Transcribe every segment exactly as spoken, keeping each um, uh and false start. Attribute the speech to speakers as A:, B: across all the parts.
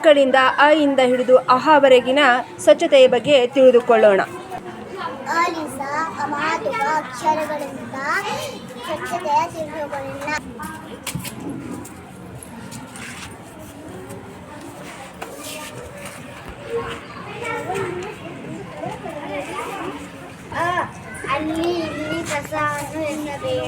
A: ಮಕ್ಕಳಿಂದ ಅ ಇಂದ ಹಿಡಿದು ಅಹವರೆಗಿನ ಸ್ವಚ್ಛತೆಯ ಬಗ್ಗೆ ತಿಳಿದುಕೊಳ್ಳೋಣ.
B: ಆಲಿಸ ಅಮಾತುಕ ಅಕ್ಷರಗಳಿಂದ ಸ್ವಚ್ಛತೆಯ ತಿಳಿದುಕೊಳ್ಳೋಣ. ಅ ಅಲ್ಲಿ ಇಲ್ಲಿ ಕಸವನ್ನು ಎನ್ನಬೇಡ.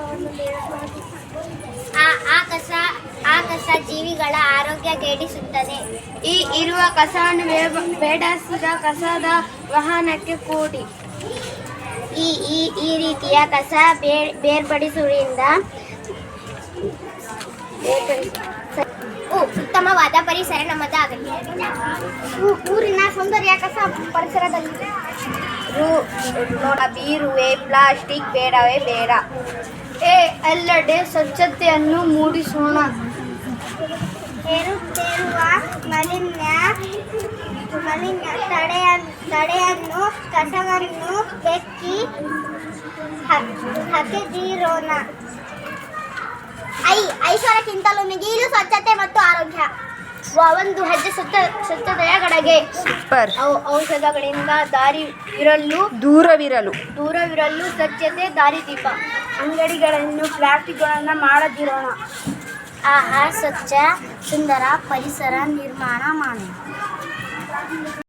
B: ಆ ಆ ಕಸ ಆ ಕಸ ಜೀವಿಗಳ ಆರೋಗ್ಯ ಕೆಡಿಸುತ್ತದೆ.
C: ಈ ಇರುವ ಕಸವನ್ನು ಬೇಡಸಿದ ಕಸದ ವಾಹನಕ್ಕೆ ಕೂಡಿ.
B: ಈ ಈ ಈ ರೀತಿಯ ಕಸ ಬೇರ್ ಬೇರ್ಪಡಿಸುವುದರಿಂದ ಉತ್ತಮವಾದ ಪರಿಸರ ನಮ್ಮದಾಗಲಿದೆ. ಊರಿನ ಸೌಂದರ್ಯ ಕಸ ಪರಿಸರದಲ್ಲಿದೆ.
C: ಬೀರುವೆ ಪ್ಲಾಸ್ಟಿಕ್ ಬೇಡವೇ ಬೇಡ. ಎ ಎಲ್ಲೆಡೆ ಸ್ವಚ್ಛತೆಯನ್ನು ಮೂಡಿಸೋಣ.
B: ಏರುತ್ತೇರುವ ಮಾಲಿನ್ಯ ಮಾಲಿನ್ಯ ತಡೆಯ ತಡೆಯನ್ನು ಕಸವನ್ನು ಬೆಕ್ಕಿ ಹಾಕಿದಿರೋಣ. ಐ ಐಶ್ವರ್ಯಕ್ಕಿಂತಲೂ ಮಿಗಿಲು ಸ್ವಚ್ಛತೆ ಮತ್ತು ಆರೋಗ್ಯ. ಒಂದು ಹೆಜ್ಜೆ ಸ್ವಚ್ಛ ಸ್ವಚ್ಛತೆಯ ಕಡೆಗೆ.
A: ಸೂಪರ್.
C: ಔಷಧಗಳಿಂದ ದಾರಿ ಇರಲು
A: ದೂರವಿರಲು
C: ದೂರವಿರಲು ಸ್ವಚ್ಛತೆ ದಾರಿದೀಪ. ಅಂಗಡಿಗಳನ್ನು ಪ್ಲಾಸ್ಟಿಕ್ಗಳನ್ನು ಮಾಡದಿರೋಣ.
B: ಆಹಾ ಸ್ವಚ್ಛ ಸುಂದರ ಪರಿಸರ ನಿರ್ಮಾಣ ಮಾಡೋಣ.